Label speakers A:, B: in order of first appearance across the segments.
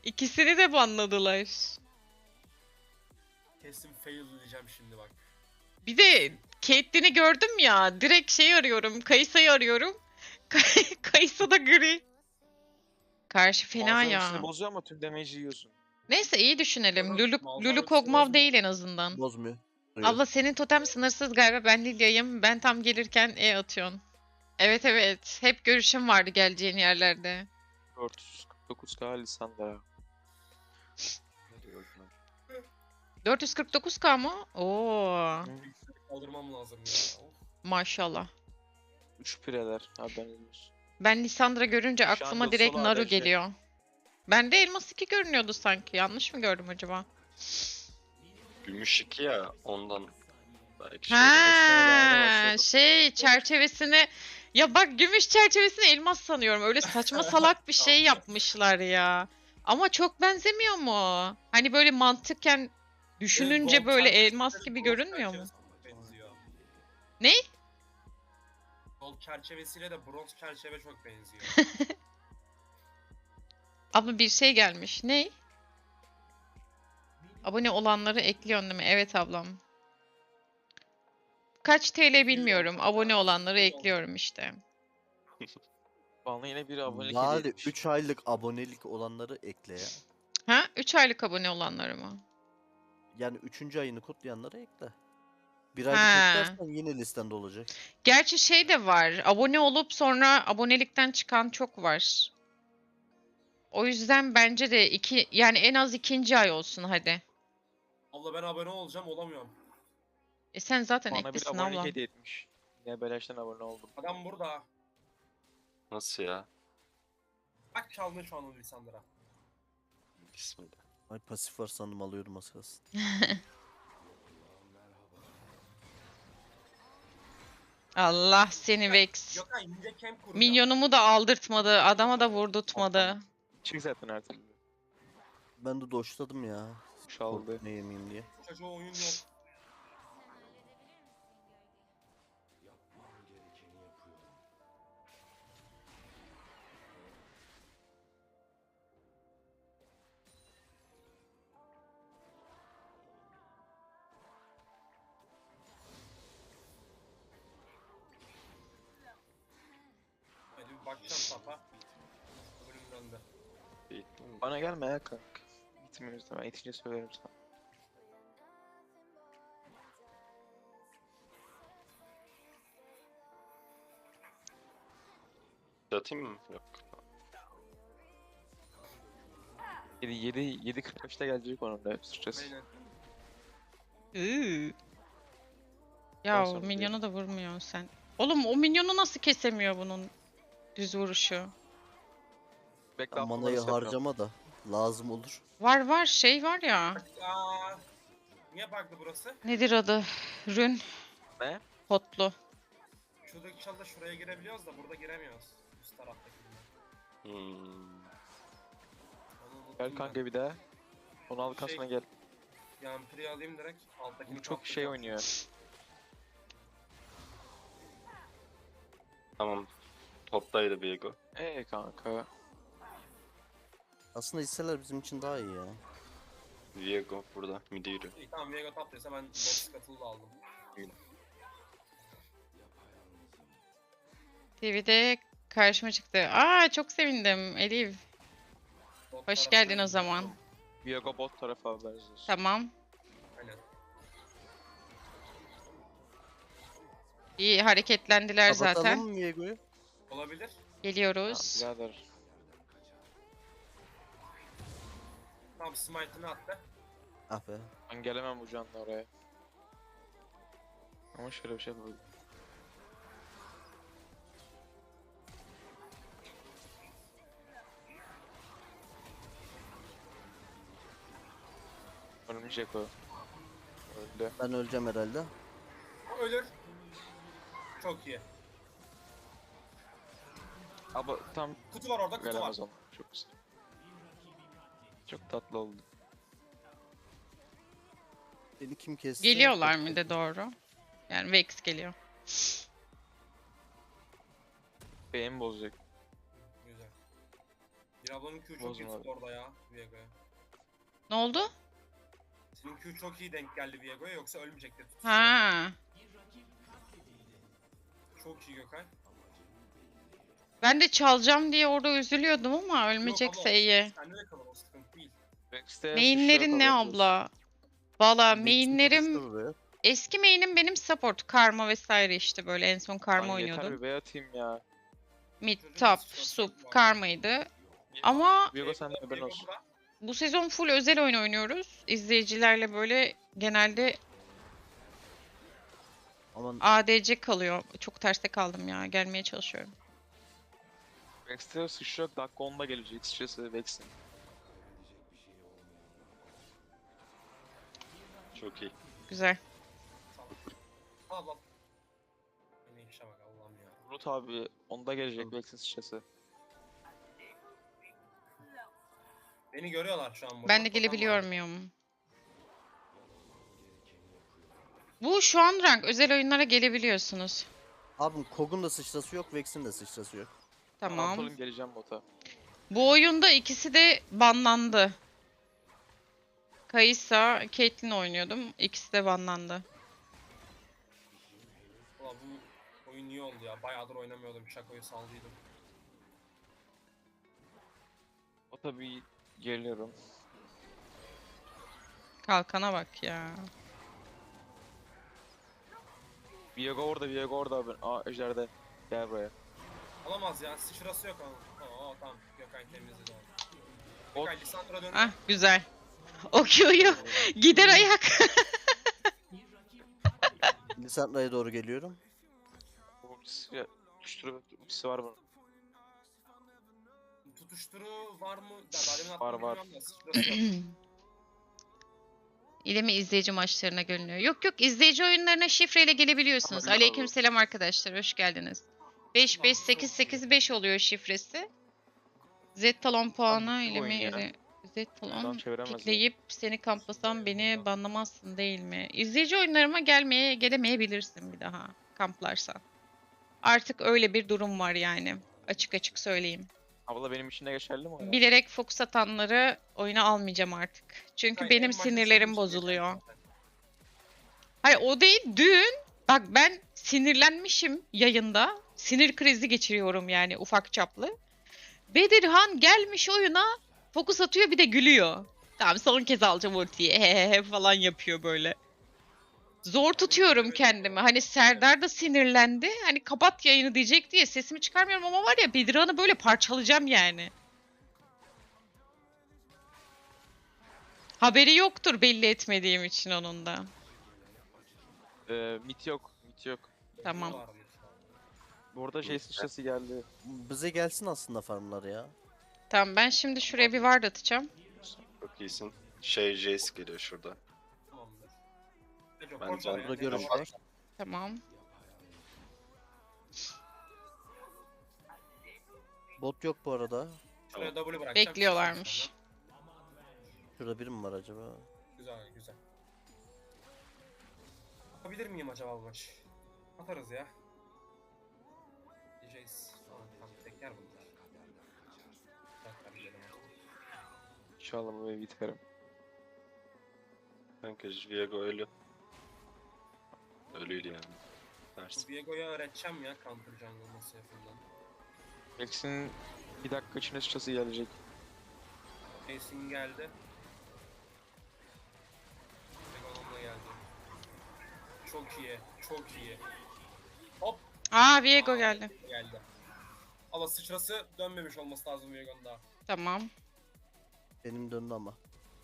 A: İkisini de banladılar.
B: Kesin fail diyeceğim şimdi bak.
A: Bir de Caitlyn'i gördüm ya. Direkt şey arıyorum. Kayısa'yı arıyorum. Kayısa da gri. Karşı fena
C: Malzeme hepsini
A: ya.
C: bozuyor ama tüm damage'i yiyorsun.
A: Neyse iyi düşünelim.
B: Yok,
A: Lulu,
B: Malzahar
A: Lulu
B: hepsini
A: Kog'Maw
B: bozmuyor.
A: değil en azından.
D: Bozmuyor.
A: Abla senin totem sınırsız galiba. Ben Lilya'yım. Ben tam gelirken atıyorsun. Evet evet. Hep görüşüm vardı geleceğin yerlerde.
C: 449k Lissandra.
A: 449k mı? Oo,
B: Kaldırmam lazım ya. Of.
A: maşallah.
C: 3 pireler. Haberiniz olsun.
A: Ben Lissandra görünce
C: Şu
A: aklıma
C: anda
A: direkt
C: solo
A: Naru
C: ADC.
A: geliyor. Bende Elmas 2 görünüyordu sanki. Yanlış mı gördüm acaba?
E: Gümüş 2 ya ondan. Belki şey.
A: Ha, şey çerçevesini ya bak gümüş çerçevesini elmas sanıyorum. Öyle saçma salak bir şey yapmışlar ya. Ama çok benzemiyor mu? Hani böyle mantıken düşününce
B: Gold
A: böyle
B: çerçevesi
A: elmas
B: de
A: gibi
B: bronz
A: görünmüyor mu?
B: çerçevesine çok benziyor.
A: Ne?
B: Gold çerçevesiyle de bronz çerçeve çok benziyor.
A: Abla bir şey gelmiş. Ne? Abone olanları ekliyorsun değil mi? Evet ablam. Kaç TL bilmiyorum. Abone olanları ekliyorum işte.
C: Bana yine bir abonelik
D: Bari
C: hediye etmiş.
D: 3 aylık abonelik olanları ekle ya.
A: Ha? 3 aylık abone olanları mı?
D: Yani 3. ayını kutlayanları ekle. Bir aylık
A: Ha.
D: eklersen yine listende olacak.
A: Gerçi şey de var. Abone olup sonra abonelikten çıkan çok var. O yüzden bence de yani en az 2. ay olsun hadi.
B: Allah ben abone olacağım olamıyorum.
A: Sen zaten
C: Bana bir
A: eklisin
C: abonelik
A: abla.
C: hediye etmiş. Yine beleşten abone oldum.
B: Adam burada.
E: Nasıl ya?
B: Bak çaldın şu an onu Lisandra.
E: Bismillah.
D: Ay pasif var sandım alıyorum az kalsın.
A: Allah seni Vex.
B: Gökhan ince camp kuracağım.
A: Minyonumu da aldırtmadı. Adama da vurdurtmadı.
C: Çık zaten her türlü.
D: Ben de doşladım ya.
C: Çaldı.
D: Ne yemeyeyim diye.
B: Çocuğa oyun yok. Hadi bir bakacağım tapa. Bölüm döndü.
C: Bana gelme ya kanka. Gitmiyoruz da ben itince söylerim sana.
E: Atayım mı? Yok.
C: 7.45'te gelecek onun da sıçrası.
B: Aynen.
A: Iıı.
C: Ben
A: Ya
C: sonra
A: minyonu da vurmuyorsun sen. Oğlum o minyonu nasıl kesemiyor bunun düz vuruşu?
C: Bekle
D: Ben manayı
C: atmaları
D: harcama da lazım olur.
A: Var şey var ya.
B: Aa, niye bug'dı burası?
A: Nedir adı? Rün.
C: Ne?
A: Hotlu.
B: Şuradaki çalda şuraya girebiliyoruz da burada giremiyoruz. Üst taraftaki.
E: Hmm.
B: Onu unuttum
C: Gel
B: ben.
C: kanka bir daha. Onu al kasına gel.
B: Yampiri alayım direkt. Alttakini
C: Bu çok
B: kaptıracağım.
C: şey oynuyor.
E: Tamam. Toptaydı Viego.
C: Kanka.
D: Aslında hisseler bizim için daha iyi ya.
E: Viego burada. Midi yürü.
B: İyi tamam Viego taptıysa ben box katılı da aldım.
A: TV'de karşıma çıktı. Aa çok sevindim Elif.
B: Bot
A: Hoş
B: tarafına
A: geldin o
B: gidiyorum.
A: zaman.
C: Viego bot tarafı haberiniz olsun.
A: Tamam.
B: Aynen.
A: İyi hareketlendiler zaten.
D: Kapatalım mı Viego'yu?
B: Olabilir.
A: Geliyoruz.
C: Birader.
B: Tamam smite'ını attı.
D: Ah be.
C: Ben gelemem bu canla oraya. Ama şöyle bir şey yapalım. Ölmeyecek o. Öldü.
D: Ben öleceğim herhalde.
B: O ölür. Çok iyi.
C: Ama tam
B: Kutu var orada kutu var.
C: gelemez ona. Çok güzel. Çok tatlı oldu.
D: Beni kim kesti?
A: Geliyorlar mı de doğru? Yani Vex geliyor.
C: Beyin bozacak.
B: Güzel. Bir ablanın Q çok
C: Bozma
B: iyi
C: abi.
B: tuttu orada ya Viego'ya.
A: Ne oldu?
B: Senin Q çok iyi denk geldi Viego'ya yoksa ölmeyecekti tutuşta.
A: Ha.
B: Çok iyi Gökay.
A: Ben de çalacağım diye orada üzülüyordum ama
B: Yok
A: ölmeyecekse
B: ama
A: iyi.
B: sende de kalır o sıkıntı değil.
C: Vex'te
A: Mainlerin ne abla? Valla
D: Vex'in
A: mainlerim
D: tutuştu buraya.
A: eski main'im benim support, karma vesaire işte böyle en son karma
C: Lan yeter
A: oynuyordum.
C: bir bey atayım ya.
A: Mid,
B: Çocuğun
A: top,
B: sıçrası
A: sup,
B: yok bu arada.
A: karmaydı. Ama
C: Viego sende haberin
B: Viego
C: olsun.
B: burada.
A: bu sezon full özel oyun oynuyoruz. İzleyicilerle böyle genelde
D: Aman
A: ADC kalıyor. Çok terste kaldım ya. Gelmeye çalışıyorum.
C: Vex'te sıçrak dakika 10'da gelecek sıçrası Vex'in.
E: Çok iyi.
A: Güzel.
B: Al al. Yine işe bak Allah'ım ya.
C: Bulut abi 10'da gelecek Vex'in sıçrası.
B: Beni görüyorlar şu an burada.
A: Ben de gelebiliyor muyum? Bu şu an rank. Özel oyunlara gelebiliyorsunuz.
D: abim Kog'un da sıçrası yok, Vex'in de sıçrası yok.
A: Tamam.
C: Antalım geleceğim bota.
A: Bu oyunda ikisi de banlandı. Kaysa, Caitlyn oynuyordum. İkisi de banlandı.
B: Ulan bu oyun iyi oldu ya. Bayağıdır oynamıyordum. Şakoyu saldıydım.
C: Bota bir geliyorum.
A: Kalkana bak ya.
C: Viego orada abi. Aa Ejder'de. Gel buraya.
B: Alamaz ya. Sıçrası yok ama. Tamam. Gökay temizledi onu.
C: Bot.
B: Gökay Lisandra dönüyor.
A: Ah güzel. O Q'yu gider ayak.
D: Lisandra'ya doğru geliyorum.
C: Ultisi ya. Ultisi var bunun.
B: Tutuşturu var mı? Ya, daha demin
C: Var,
B: attım
C: var.
B: bilmiyorum da sıçrası yok.
A: İle mi izleyici maçlarına görünüyor? Yok yok, izleyici oyunlarına şifreyle gelebiliyorsunuz.
C: Ama-
A: Aleykümselam arkadaşlar, hoş geldiniz. 55885 oluyor şifresi. Z talon puanı
C: bu
A: ile
C: oyun
A: mi?
C: ya.
A: Z
C: Buradan
A: talon
C: çeviremez
A: pikleyip seni kamplasam beni banlamazsın değil mi? İzleyici oyunlarıma gelemeyebilirsin bir daha kamplarsan. Artık öyle bir durum var yani. Açık açık söyleyeyim.
C: Abla benim için de geçerli mi o ya?
A: Bilerek fokus atanları oyuna almayacağım artık. Çünkü
B: Gökay, en
A: benim
B: başta senin
A: sinirlerim
B: için
A: bozuluyor.
B: yeter zaten.
A: Hayır o değil, dün bak ben sinirlenmişim yayında. Sinir krizi geçiriyorum yani ufak çaplı. Bedirhan gelmiş oyuna fokus atıyor bir de gülüyor. Tamam son kez alacağım ultiyi hehehe falan yapıyor böyle. Zor tutuyorum kendimi. Hani Serdar da sinirlendi. Hani kapat yayını diyecek diye sesimi çıkarmıyorum ama var ya Bedirhan'ı böyle parçalayacağım yani. Haberi yoktur belli etmediğim için onun da.
C: Mit yok. Mit yok.
A: Tamam.
B: Var mı?
C: Burada şey sıçrası geldi.
D: Bize gelsin aslında farmlar ya.
A: Tamam ben şimdi şuraya bir ward atacağım.
E: Çok iyisin. Şey Jace geliyor şurada.
B: Tamamdır. Neco,
E: Ben
B: koş
E: can-
B: oraya.
D: Burada
B: Neco,
D: görüş
B: koş.
D: var.
A: Tamam.
D: Bot yok bu arada.
B: Şuraya W bırakacağım.
A: Bekliyorlarmış.
D: Şurada biri mi var acaba?
B: Güzel güzel. Yapabilir miyim acaba bu maç? Atarız ya. DJ's falan tekrar bunlar. Tekrar gidelim.
C: İnşallah bu evi biterim.
E: Kanka Viego ölü. Ölüydü yani. Dersin.
B: Bu Viego'ya öğreteceğim ya counter jungle nasıl yapıldığını.
C: Vex'in bir dakika içinde sıçrası gelecek.
B: Jason geldi. Viego'nun da geldi. Çok iyi, çok iyi. Hop!
A: Aa Viego geldi.
B: Geldi. Ama sıçrası dönmemiş olması lazım Viego'nun daha.
A: Tamam.
D: Benim döndü ama.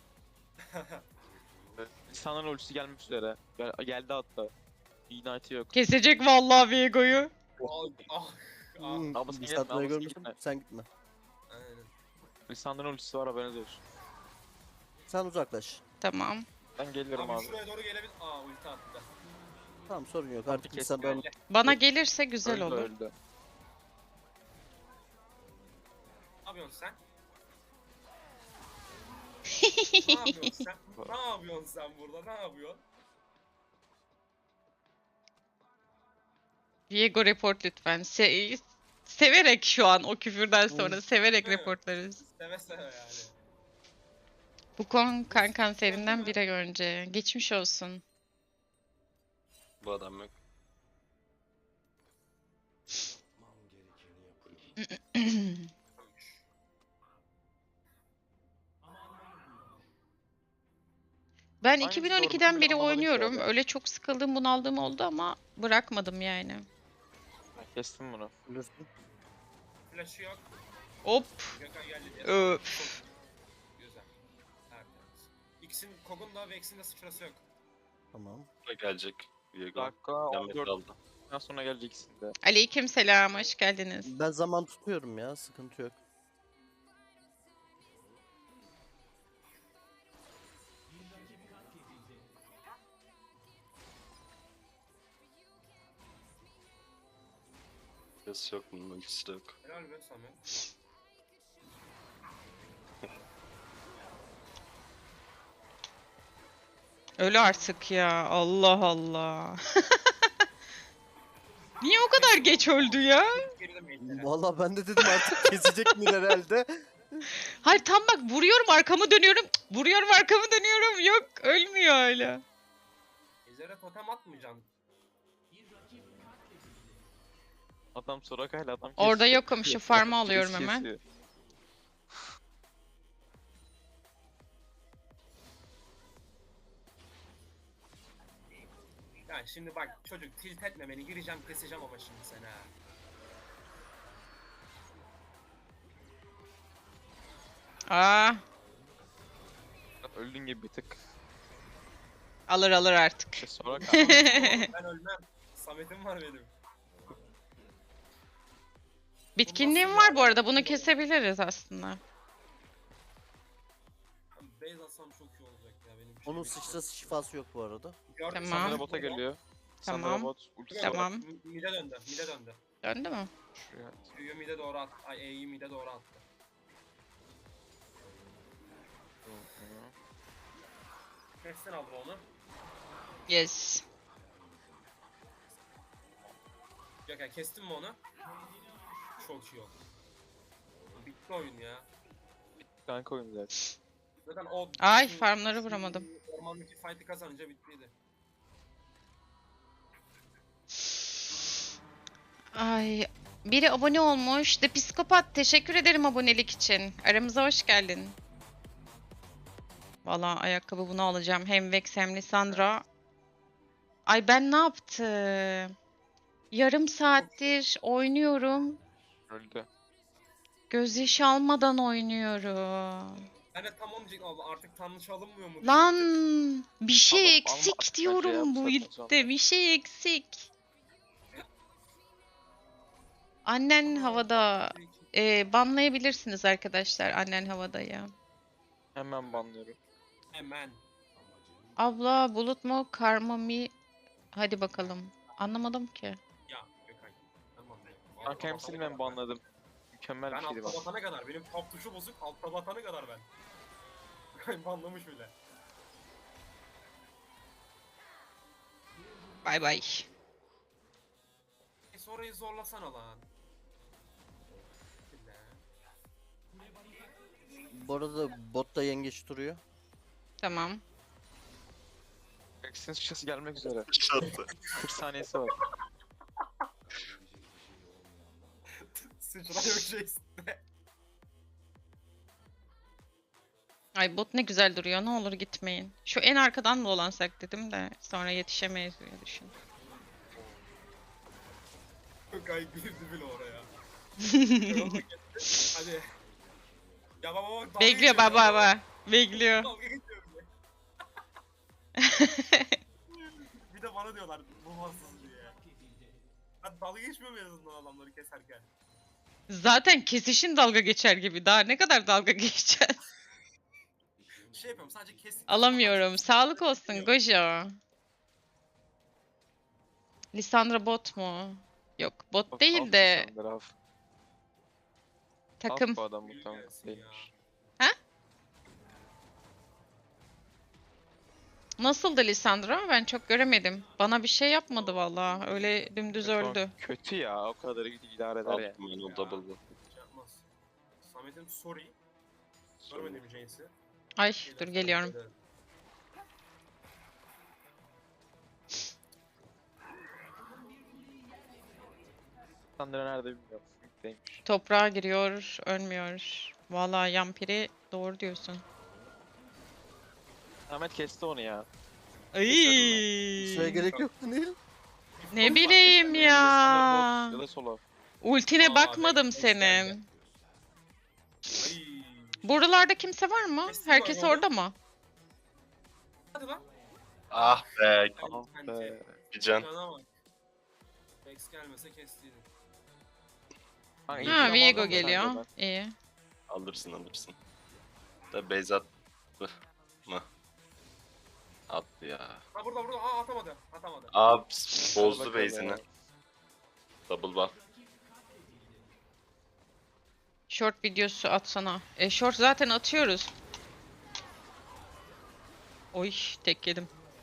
C: İnsanların ultisi gelmek üzere. Geldi hatta. Ignite'ı yok.
A: Kesecek vallahi Viego'yu.
B: Ah.
C: Abla sen gitme,
D: Lisandra'yı
C: abla sen
D: görmüşsün.
C: gitme.
D: Sen gitme.
B: Aynen.
C: İnsanların ultisi var haberiniz olsun.
D: Sen uzaklaş.
A: Tamam.
C: Ben geliyorum
B: Abi
C: abi.
B: şuraya doğru gelebilir. Aa ulti attı.
D: Tamam sorun yok.
C: Tamam,
D: Artık
C: kes
D: Lisandra'nın
B: Geldi.
A: Bana gelirse güzel
C: Öldü
A: olur.
C: öldü.
B: Ne yapıyorsun sen? Ne yapıyorsun sen? Ne yapıyorsun sen burada? Ne yapıyorsun?
A: Viego report lütfen. Severek şu an o küfürden sonra severek
B: Evet.
A: reportlarız.
B: Seve seve yani.
A: Bu kan kanserinden bir ay önce. Geçmiş olsun.
E: Bu adam yok.
A: Ben
C: Aynısı
A: 2012'den
C: doğru,
A: beri
C: anlamadım ki
A: oynuyorum.
C: hala.
A: Öyle çok sıkıldığım, bunaldığım oldu ama bırakmadım yani.
C: Ben kestim bunu.
D: Ölürsün.
B: Flash'ı yok.
A: Hop.
B: Gökhan geldi diye.
A: Öf.
B: Güzel. Tertemiz. X'in Kog'un da Vex'in de sıçrası yok.
D: Tamam.
E: Da gelecek. Viego.
C: Dakika
E: Demet
C: 14
E: aldı.
C: sonra gelecek ikisini de.
A: Aleykümselam, hoş geldiniz.
D: Ben zaman tutuyorum ya. Sıkıntı yok.
E: Ses yok bunun ultisi de yok.
B: Helal be Samet.
A: Öyle artık ya. Allah Allah. Niye o kadar geç öldü ya?
B: Geride mail'lere.
D: Vallahi ben de dedim artık kesecek mi herhalde.
A: Hayır tam bak vuruyorum arkamı dönüyorum. Cık, vuruyorum arkamı dönüyorum. Yok ölmüyor hala.
B: Ejder'e totem atmayacaksın.
C: Adam Soraka'yla adam
A: Orada
C: kesiyor.
A: yokum, şu farmı
C: Birisi
A: alıyorum hemen.
C: kesiyor.
B: Ya şimdi bak çocuk tilt etme beni, gireceğim keseceğim ama şimdi seni ha.
A: Aa,
C: Öldüğün gibi bir tık.
A: alır artık.
C: Soraka.
B: Ben ölmem. Samet'im var benim.
A: Bitkinliğim var bu arada. Bunu kesebiliriz aslında.
B: Base atsam çok iyi olacak ya benim. bir
D: Onun
B: şey
D: sıçrası şifası yok bu arada.
B: Gördün,
A: Tamam.
C: Sandra
B: Samet
C: bota
B: burada.
C: geliyor.
A: Tamam.
C: Sandra bot ultisi var.
A: Tamam.
B: Mide döndü, mide döndü.
A: Döndü mü?
C: Şuraya.
B: Q'yu mide doğru attı. Ay E'yi mide doğru attı. Kestin abla onu.
A: Yes.
B: Gökhan kestin mi onu? Çok iyi oldu. Bitti oyun ya.
C: Kanka oyun zaten.
B: Zaten o...
A: Ay,
B: şu-
A: farmları
B: şu
A: vuramadım.
B: Ormandaki fight'ı kazanınca bittiydi.
A: Ay, biri abone olmuş. The Psikopat, teşekkür ederim abonelik için. Aramıza hoş geldin. Valla ayakkabı bunu alacağım. Hem Vex hem Lissandra. Ay ben ne yaptım? Yarım saattir oynuyorum.
C: Öldü.
A: Gözyaşı almadan oynuyorum.
B: Ben de tam onu diyecektim abla, artık tanrıç alınmıyor mu?
A: Lan bir şey
C: Alma
A: eksik
C: bence
A: diyorum
C: ya,
A: bu
C: bu saatten
A: ilkte. Bir şey eksik. Annen havada. Banlayabilirsiniz arkadaşlar annen havadayı.
C: Hemen banlıyorum.
B: Hemen.
A: Abla bulut mu karma mı? Hadi bakalım. Anlamadım ki.
B: Ya Gökhan. Tamam.
C: Kanka hepsini ben banladım. Mükemmel
B: Ben
C: bir şeydi
B: altta
C: bana.
B: batana kadar, benim top tuşu bozuk, altta batana kadar ben. Banlamış bile.
A: Bay bay.
B: Orayı zorlasana lan. Bile.
D: Bu arada botta yengeç duruyor.
A: Tamam.
C: Vex'in sıçrası gelmek üzere.
E: Şattı.
C: 40 saniyesi var.
B: Sıçra yok şey üstüne.
A: Ay bot ne güzel duruyor. Ne olur gitmeyin. Şu en arkadan mı dolansak dedim de sonra yetişemeyiz diye düşün.
B: Gökhan girdi bile oraya. Hadi. Ya baba bak dalga
A: Bekliyor
B: geçiyor
A: baba
B: ya.
A: baba. Bekliyor.
B: Dalga geçiyor bir de. Bir de bana diyorlar bu hassız diye. Ben dalga geçmiyor mu en azından adamları keserken?
A: Zaten kesişin dalga geçer gibi. Daha ne kadar dalga geçeceğiz?
B: Şey yapıyorum sadece kes.
A: Alamıyorum. Sağlık olsun Gojo. Lissandra bot mu? Yok bot
C: Bak,
A: değil
C: alt
A: de
C: Sandra, alt.
A: takım.
C: Alt bu adam
B: Yürü
C: muhtemelen
B: gelsin ya.
C: değilmiş.
A: Nasıldı Lisandra? Ben çok göremedim. Bana bir şey yapmadı vallahi. Öyle dümdüz
C: Şu an
A: öldü.
C: Kötü ya. O kadar idare eder ya.
E: Aldım ben o double buff.
B: Şey yapmaz. Samet'in sorry. Görmedim James'i.
A: Ay dur geliyorum.
C: Sandra nerede bilmiyorum. Mid'deymiş.
A: Toprağa giriyor, ölmüyor. Vallahi Yampiri doğru diyorsun.
C: Ahmet kesti onu ya.
A: Ay.
D: Şuraya gerek yoktu Nil.
A: Ne bileyim ya.
C: Sandra bot ya da solo.
A: Ultine
B: Aa,
A: bakmadım
B: Vex
A: senin.
B: geldi. Ay.
A: Buralarda kimse var mı?
B: Kesin
A: Herkes
B: var
A: orada mı?
B: Hadi lan.
E: Ah be.
C: Ah be.
E: Bir can.
B: Cana bak. Vex gelmese kestiydin.
C: Kanka,
A: Ha
C: ilk
A: Viego
C: zamandan
A: geliyor.
C: beraber.
A: İyi.
E: Alırsın. Da base attı mı? Attı ya.
B: Ha burada. Aa atamadı.
E: Abi
C: Hadi
E: bozdu
C: bakalım
E: base'ini.
C: ya.
E: Double buff.
A: Short videosu atsana. Short zaten atıyoruz. Oy tek yedim.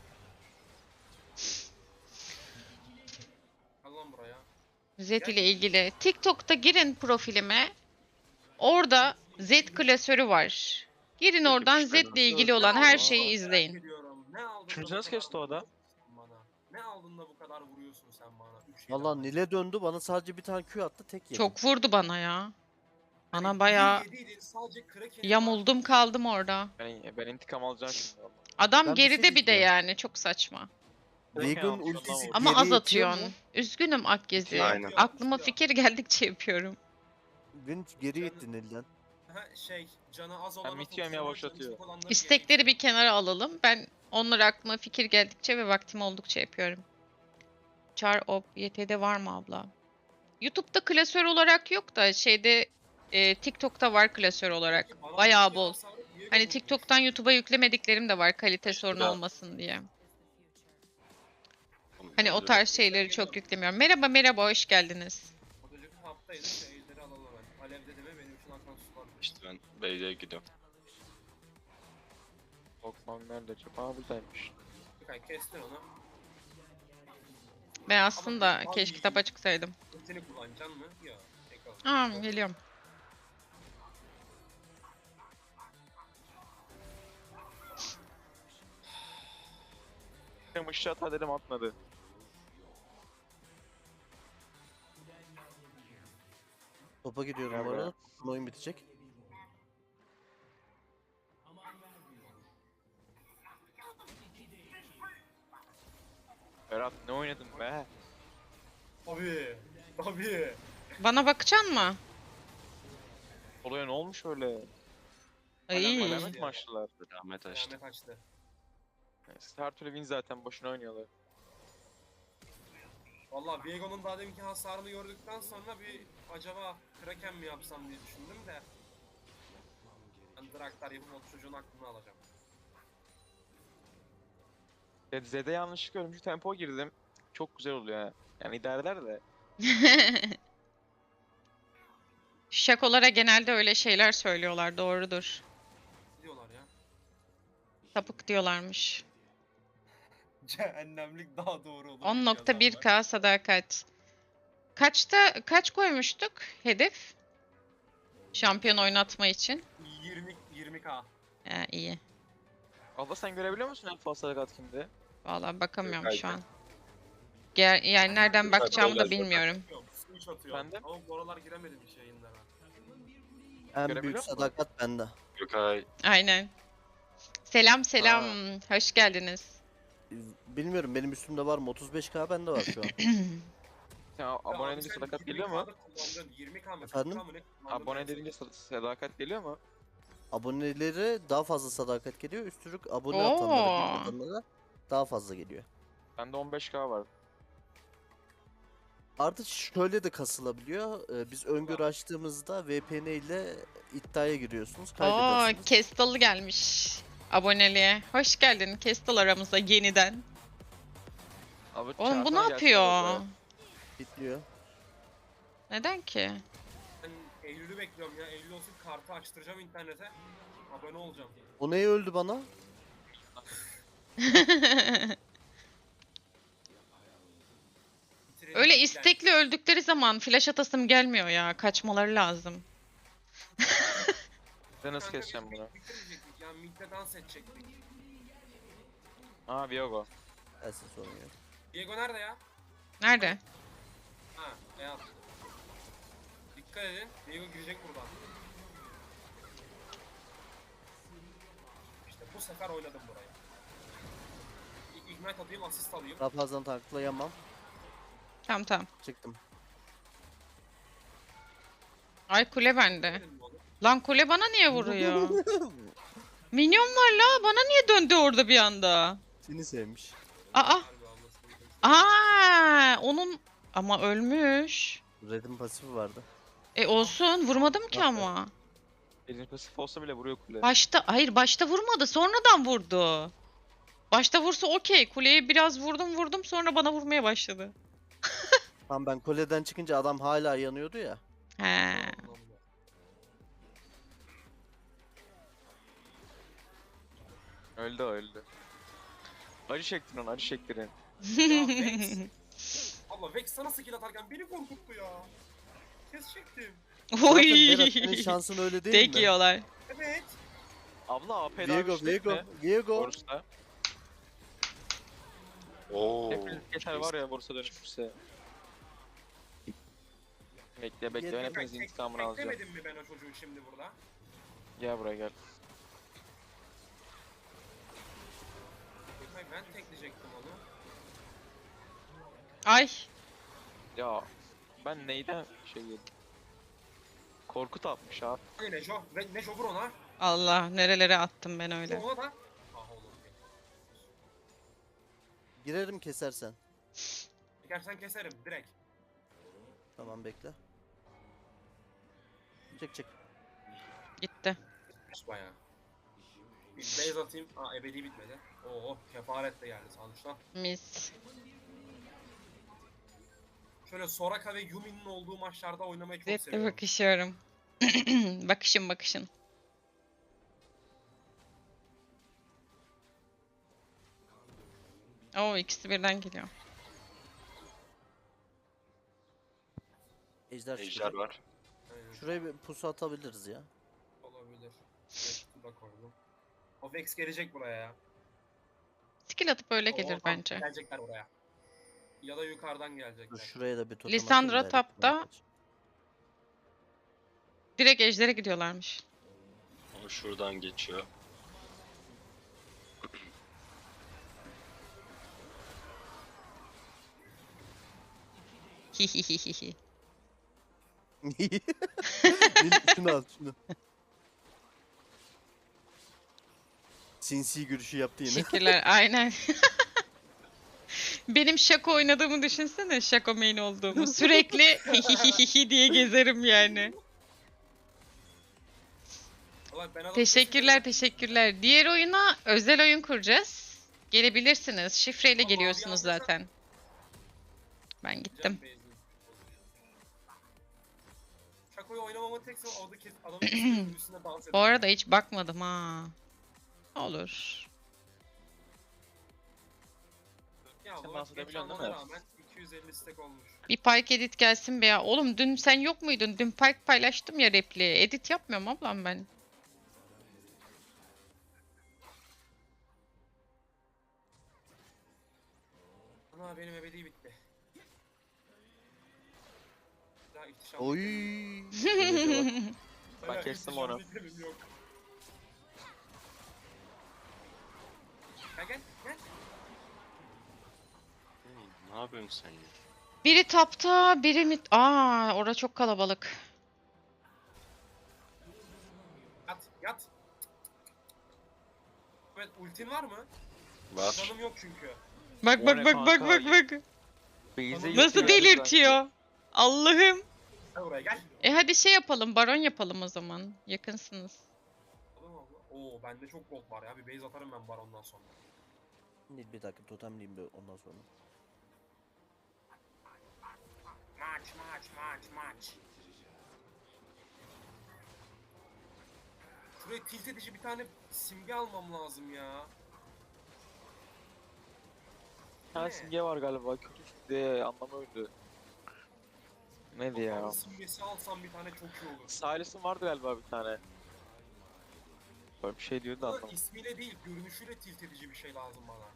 B: Al lan buraya.
A: Z ile ilgili. TikTok'ta girin profilime. Orada Z klasörü var. Girin oradan Z ile ilgili olan her şeyi izleyin.
B: Merak ediyorum. Ne aldın da
C: Üçüncü
B: bu
C: nasıl
B: kadar
C: kesti o da?
B: vuruyorsun bana? Ne aldın da bu kadar vuruyorsun sen bana?
D: Valla Nil'e döndü bana sadece bir tane Q attı tek yedim.
A: Çok vurdu bana ya.
B: Hani
A: Bana bayağı
B: sadece Kraken'i
A: yamuldum kaldım orada.
C: Ben intikam alacağım şimdi valla.
A: Adam
D: Ben bir şey
A: geride bir de
D: diyeceğim.
A: yani çok saçma.
D: Veigar'ın
C: Kraken
D: ultisi
C: almış,
A: Ama
D: geriye
A: az
D: itiyor
A: atıyorsun.
D: mu?
A: Üzgünüm Akgezi.
E: Aynen.
A: Aklıma fikir geldikçe yapıyorum.
D: Beni geri itti Nil'den.
B: canı az olan
C: Mitiyorum yavaşlatıyor.
A: İstekleri bir kenara alalım. Ben onları aklıma fikir geldikçe ve vaktim oldukça yapıyorum. Char op YT'de var mı abla? YouTube'da klasör olarak yok da şeyde TikTok'ta var klasör olarak. Bayağı bol. Hani TikTok'tan YouTube'a yüklemediklerim de var kalite sorunu
E: da-
A: olmasın diye. Hani o tarz şeyleri çok yüklemiyorum. Merhaba hoş geldiniz.
B: Otocuk taptaydı şeyleri alalım hemen. Alevde deme benim için akan sular.
E: İşte ben base'e gidiyorum.
C: Okman nerede acaba? Buradaymış.
B: Kestin onu.
A: Ben aslında
B: Ama
A: keşke
B: abi-
A: kitap açıksaydım.
B: Ultini kullanacaksın mı? Yok. Tek al.
A: Aa geliyorum.
C: Benim ışığı atar dedim atmadı.
D: Topa gidiyorum
C: Gel
D: bu
C: buraya.
D: arada. Oyun bitecek.
C: Berat ne oynadın be?
B: Tabii.
A: Bana bakacaksın mı?
C: Solo'ya ne olmuş öyle?
A: Ay.
C: Alamet mi açtılar?
E: Rahmet açtı.
B: Ahmet açtı.
C: Neyse, her türlü win zaten boşuna oynuyorlar.
B: Valla Viego'nun daha deminki hasarını gördükten sonra bir acaba Kraken mi yapsam diye düşündüm de. Ben Draktar yapıp o çocuğun aklını alacağım.
C: Zed'e yanlışlıkla ölümcül tempo girdim. Çok güzel oluyor ha. Yani idare eder de.
A: Şakolara genelde öyle şeyler söylüyorlar. Doğrudur.
B: Ne diyorlar ya?
A: Sapık diyorlarmış.
B: Cehennemlik daha doğru olur.
A: 10.1K sadakat. Kaç koymuştuk hedef? Şampiyon oynatma için.
B: 20k.
A: İyi.
C: Abla sen görebiliyor musun en fazla sadakat kimde?
A: Vallahi bakamıyorum
E: Yok,
A: şu an. Yani nereden bakacağımı da
E: Yok,
A: bilmiyorum.
B: Switch atıyor.
C: Ben de.
B: Ama bu aralar giremedim hiç yayınlara.
D: En
C: Görebiliyor
D: büyük
C: musun?
D: sadakat bende.
E: Gökay
A: Aynen. Selam. Hoş geldiniz.
D: Bilmiyorum benim üstümde var mı? 35k bende var şu an.
C: Sen abone edince sadakat geliyor mu?
B: 20k mı?
D: Efendim?
B: 40K mı ne kullandın?
C: Abone edince sadakat geliyor mu?
D: Abonelere daha fazla sadakat geliyor. Üstürük abone
A: Oo.
D: atanlara, bilmeyenlere daha fazla geliyor.
C: Bende 15k var.
D: Artık şöyle de kasılabiliyor. Biz öngörü açtığımızda VPN ile iddiaya giriyorsunuz.
A: Oo,
D: Kaybedersiniz.
A: Kestal gelmiş aboneliğe. Hoş geldin Kestal aramıza yeniden.
C: Abi,
A: Oğlum bu ne
C: çağırsana gelsin
A: yapıyor?
C: orada.
D: Bitliyor.
A: Neden ki?
B: Ben Eylül'ü bekliyorum ya. Eylül olsun kartı açtıracağım internete. Abone olacağım.
D: O neye öldü bana?
B: Bitirelim
A: Öyle
B: yani.
A: istekli öldükleri zaman flash atasım gelmiyor ya. Kaçmaları lazım.
C: Ben nasıl
B: Kanka biz
C: keseceğim bunu?
B: bitirmeyecektik yani midde dans edecektik.
C: Aa Viego.
D: Gelsin sorun yok.
B: Diego nerede ya?
A: Nerede?
B: Ha, beyaz. Dikkat edin. Diego girecek buradan. İşte bu sefer oynadım burayı. Ignite atayım, asist alayım.
D: Daha fazla tanklayamam.
A: Tamam tamam.
D: Çıktım.
A: Ay kule bende.
B: Dedim oğlum.
A: Lan kule bana niye vuruyor? Minyon var la. Bana niye döndü orada bir anda?
D: Seni sevmiş.
A: Aa.
B: Harbi anlasın.
A: Onun ama ölmüş.
D: Red'in pasifi vardı.
A: Olsun vurmadım ki ama.
C: Elin pasif olsa bile vuruyor kule.
A: Başta vurmadı, sonradan vurdu. Başta vursa okey. Kuleye biraz vurdum sonra bana vurmaya başladı.
D: Tam ben kuleden çıkınca adam hala yanıyordu ya.
A: He.
C: Öldü o, öldü. Acı çektin onu, acı çektirin.
B: Ya Vex. Allah Vex sana skill atarken beni korkuttu ya. Kes çektim.
D: Zaten Berat senin şansın öyle değil
A: Tek
D: mi?
A: yiyorlar.
B: Evet.
C: Abla AP
D: Viego, Viego, Viego.
C: Borsa.
E: Oo.
C: Hepiniz geçer var ya borsa dönüşürse. Bekle bekle, ben
D: Yeter.
C: hepinizin intikamını alacağım.
B: Beklemedim mi ben o çocuğu şimdi burada?
C: Gel buraya gel.
B: Ben tekleyecektim onu.
A: Ay.
C: Ya ben neyden şey yedim? Korkut atmış abi.
B: Hani Neco, ve Neco vur ona.
A: Allah nerelere attım ben
B: Vur
A: öyle.
B: ona da. Ah oğlum.
D: Girerim kesersen.
B: Çekersen keserim direkt.
D: Tamam bekle. Çık çık.
A: Gitti.
B: Bayağı. Bir base atayım. Aa ebedi bitmedi. Oo kefaret de geldi sonuçta.
A: Mis.
B: Şöyle Soraka ve Yumi'nin olduğu maçlarda oynamayı çok
A: Zevkle
B: seviyorum.
A: bakışıyorum. Bakışın. Oo ikisi birden geliyor.
D: Ejder
E: Ejder
D: çıkacak.
E: var.
B: Aynen,
D: Şuraya bir pusu atabiliriz ya.
B: olabilir. Vex'i da koydum. O Vex gelecek buraya ya.
A: Skill atıp öyle
B: Oo,
A: gelir
B: tamam,
A: bence.
B: Gelecekler buraya. Ya da yukarıdan
D: Dur
B: gelecekler.
D: şuraya da bir totem
A: Lisandra
D: atayım da
A: tapta.
D: elektriğe kaç.
A: Direkt ejdere gidiyorlarmış.
E: O şuradan geçiyor.
A: Hihihihi.
D: Şunu al şunu. Sinsi gülüşü yaptı yine.
A: Teşekkürler. Aynen. Benim şako oynadığımı düşünsene. Şako main olduğumu. Sürekli hihihihi diye gezerim yani.
B: Vallahi ben adamı
A: Teşekkürler. Diğer oyuna özel oyun kuracağız. Gelebilirsiniz. Şifreyle
B: Ama
A: geliyorsunuz
B: abi alırsak-
A: zaten. Ben gittim.
B: Şakoyu oynamamın tek sebebi orada adamın kesin üstünde dans ediyor.
A: Bu arada hiç bakmadım ha. Olur.
B: Ya
C: Sen
B: bu
C: dans
B: geç
C: edebiliyorsun değil
B: almana
C: mi?
B: rağmen 250 stack olmuş.
A: Bir Pike edit gelsin be ya. Oğlum dün sen yok muydun? Dün Pike paylaştım ya repliği. Edit yapmıyorum ablam ben.
B: Ana benim ebedi bitti. Daha ihtişam.
D: Oy.
C: Ben kestim onu.
B: Yok. Gel.
E: Ne yapıyorsun sen ya?
A: Biri tapta, biri mid... Orada çok kalabalık.
B: Yat. Evet ultin var mı?
E: Var.
B: Canım yok çünkü.
A: Bak
C: O
A: bak
C: ne
A: bak bak
C: kanka?
A: bak bak.
C: Base'e
A: Nasıl
C: yetiyor
A: delirtiyor? Allah'ım.
B: Gel buraya gel.
A: Hadi şey yapalım. Baron yapalım o zaman. Yakınsınız.
B: Tamam abla. Oo bende çok gold var ya. Bir base atarım ben barondan sonra.
D: Bir dakika totemleyeyim bir ondan sonra.
B: Maç. Şuraya tilt edici bir tane simge almam lazım ya.
C: tane simge var galiba. Kötü diye anlamı öyle. Neydi ya?
B: Kafanın simgesi alsam bir tane çok iyi olur.
C: Silas'ın vardı galiba bir tane. Böyle bir şey diyordu da
B: Ama
C: anlamadım.
B: ismiyle değil, görünüşüyle tilt edici bir şey lazım bana.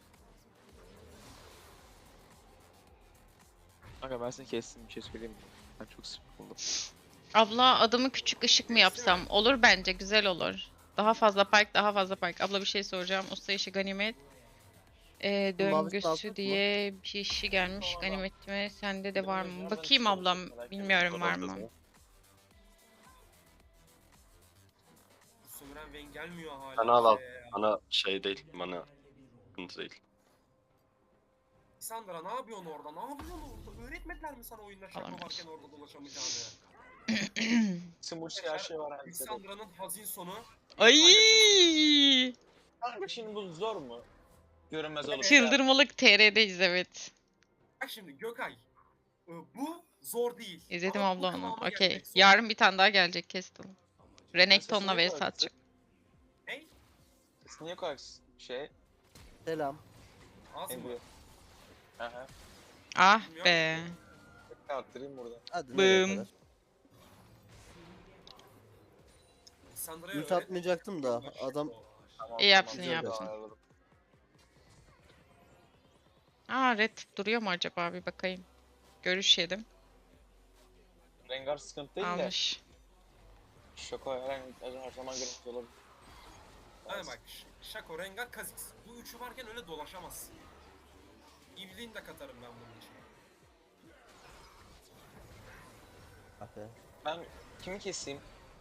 C: Kanka ben seni kestim bir şey söyleyeyim mi? Ben çok sıkıldım.
A: Abla adımı küçük ışık mı
B: Değil
A: yapsam?
B: mi?
A: Olur bence, güzel olur. Daha fazla park, daha fazla park. Abla bir şey soracağım. Usta işi ganimet.
D: Mavisini alsak
A: Döngüsü
D: mı?
A: diye bir şey gelmiş. Ganimetime sende de var mı? Bakayım ablam. Bilmiyorum var mı?
B: Bu sömüren Vayne gelmiyor hala.
E: Bana al al.
B: bize ya.
E: Bana şey değil. Bana sıkıntı değil.
B: Sandra ne yapıyorsun orada? Ne yapıyorsun orada? Öğretmediler mi sana oyunda şaka
A: Alamıyoruz.
B: varken orada dolaşamayacağını?
C: Simulsi her şey var herkese.
B: Lissandra'nın hazin sonu.
A: Ay!
C: Kanka şimdi bu zor mu? Görünmez olup.
A: Çıldırmalık TR'deyiz evet.
B: Bak şimdi Gökay. Bu zor değil.
A: İzledim
B: Ama bu
A: abla onu.
B: kıvama
A: Okey.
B: gelmek zor.
A: Yarın bir tane daha gelecek kestim. Renekton'la
C: Sesini
A: vs atacak.
B: Hey,
C: Sesini niye koyarsın? Şey,
D: Selam.
B: az mı?
C: Emre. Aha.
A: Ah be.
C: Bekle arttırayım burada.
D: Hadi nereye
A: Bım.
D: kadar?
B: Lissandra'ya
D: Ult atmayacaktım da adam
C: Tamam,
A: İyi yaptın,
C: güzel
A: iyi yaptın.
C: ayarladım.
A: Aa red duruyor mu acaba bir bakayım. Görüşelim.
C: Rengar sıkıntı değil de.
A: Almış.
C: Şoko her zaman görüntü olabilir.
B: Ha bak, Shaco, Rengar, Kha'Zix. Bu üçü varken öyle dolaşamazsın. İvliğini de katarım ben bunun için.
D: Abi.
C: Ben kimi keseyim?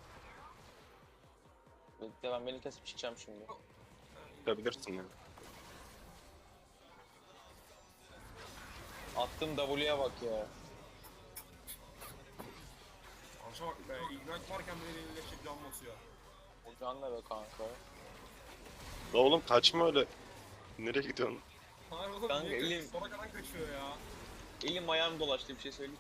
C: Bekle ben beni kesip çıkacağım şimdi.
E: Yapabilirsin ya.
C: Attığım W'ye bak ya.
B: Anşa bak be, Ignite varken bile eline can basıyor.
C: O can ne be kanka?
E: La oğlum kaçma öyle. Nereye gidiyorsun?
B: Hayır oğlum,
C: Kanka,
B: niye
C: elim-
B: sonra kadar kaçıyor ya?
C: Elim ayağım dolaştı bir şey söyleyeyim.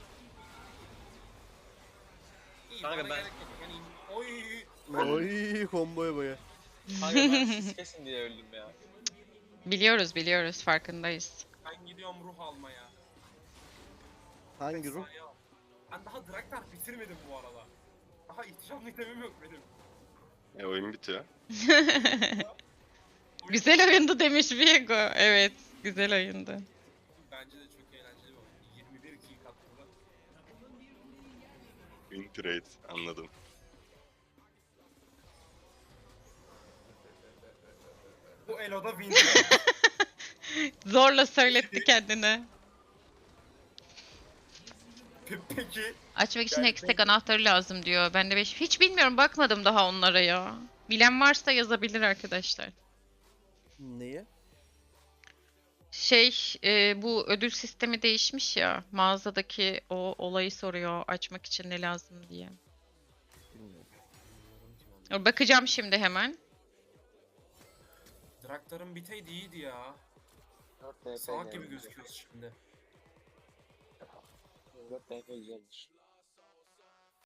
B: İyi,
C: Kanka
B: bana
C: ben-
B: gerek yok. Yani, oy.
D: Oy komboya baya.
C: Kanka ben siz kesin diye öldüm ya.
A: Biliyoruz farkındayız.
B: Ben gidiyorum ruh almaya.
D: Hangi ruh?
B: Efsane ya. Ben daha Draktar bitirmedim bu arada. Daha ihtişamlı itemim yok benim.
E: Oyun bitiyor.
A: Güzel oyundu demiş Viego. Evet, güzel oyundu.
B: Bence de çok eğlenceli bir oyun. 21 kill kattı.
E: Win trade anladım.
B: Bu Elo'da win.
A: Zorla söyletti kendine.
B: Peki.
A: Açmak için
B: Yani
A: hextech anahtarı lazım diyor. Ben de 5. Hiç bilmiyorum, bakmadım daha onlara ya. Bilen varsa yazabilir arkadaşlar.
D: Neyi?
A: Bu ödül sistemi değişmiş ya. Mağazadaki o olayı soruyor açmak için ne lazım diye.
D: Bilmiyorum.
A: Bakacağım şimdi hemen.
B: Draktar'ın biteydi iyiydi ya.
C: 4 DP
B: Salak gibi gözüküyoruz şimdi.
C: 4 DP güzeldir.